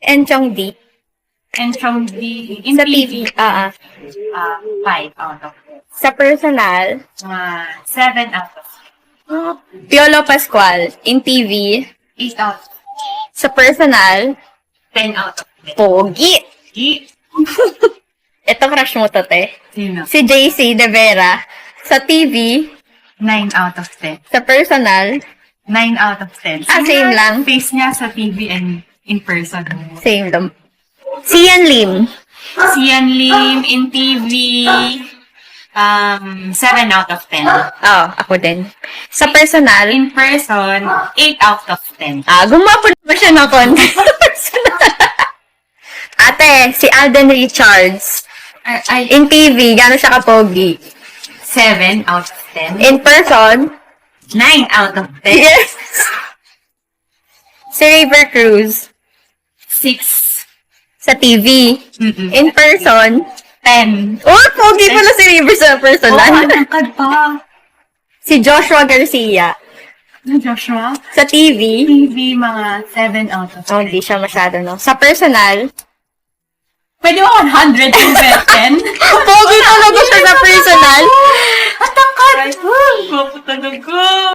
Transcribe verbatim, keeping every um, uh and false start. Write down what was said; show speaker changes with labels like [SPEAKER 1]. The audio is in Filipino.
[SPEAKER 1] Enchong D.
[SPEAKER 2] And from the, in
[SPEAKER 1] Sa
[SPEAKER 2] T
[SPEAKER 1] T V.
[SPEAKER 2] V,
[SPEAKER 1] Ah, ah.
[SPEAKER 2] uh, five out of ten.
[SPEAKER 1] Sa personal,
[SPEAKER 2] Uh, seven out of
[SPEAKER 1] Piolo Pascual. In T V,
[SPEAKER 2] eight out of
[SPEAKER 1] sa personal,
[SPEAKER 2] ten out of ten.
[SPEAKER 1] Pogi.
[SPEAKER 2] Di-
[SPEAKER 1] Ito crush mo to, te.
[SPEAKER 2] Sino?
[SPEAKER 1] Si J C De Vera. Sa T V,
[SPEAKER 2] nine out of ten.
[SPEAKER 1] sa personal,
[SPEAKER 2] nine out of ten.
[SPEAKER 1] Ah, same lang.
[SPEAKER 2] Face niya sa T V and in person.
[SPEAKER 1] same lang. Sian Lim.
[SPEAKER 2] Sian Lim in T V, um, seven out of ten.
[SPEAKER 1] Oh, ako din. Sa personal,
[SPEAKER 2] In person, eight out of ten.
[SPEAKER 1] ah, gumapo na ba siya ng konti sa personal? Ate, si Alden Richards.
[SPEAKER 2] I, I,
[SPEAKER 1] In T V, gano'n siya kapogi.
[SPEAKER 2] seven out of ten.
[SPEAKER 1] In person,
[SPEAKER 2] nine out of ten.
[SPEAKER 1] yes. Si River Cruz.
[SPEAKER 2] six.
[SPEAKER 1] Sa T V.
[SPEAKER 2] Mm-mm.
[SPEAKER 1] In person,
[SPEAKER 2] ten.
[SPEAKER 1] oh, pogi pala si River sa
[SPEAKER 2] Oh,
[SPEAKER 1] personal.
[SPEAKER 2] matangkad pa.
[SPEAKER 1] Si Joshua Garcia.
[SPEAKER 2] Joshua?
[SPEAKER 1] Sa T V,
[SPEAKER 2] T V, mga seven out of
[SPEAKER 1] oh,
[SPEAKER 2] ten.
[SPEAKER 1] hindi siya masyado, no? Sa personal,
[SPEAKER 2] Pwede mo one hundred and ten?
[SPEAKER 1] pogi talaga siya sa personal.
[SPEAKER 2] Matangkad! Maputanag ko!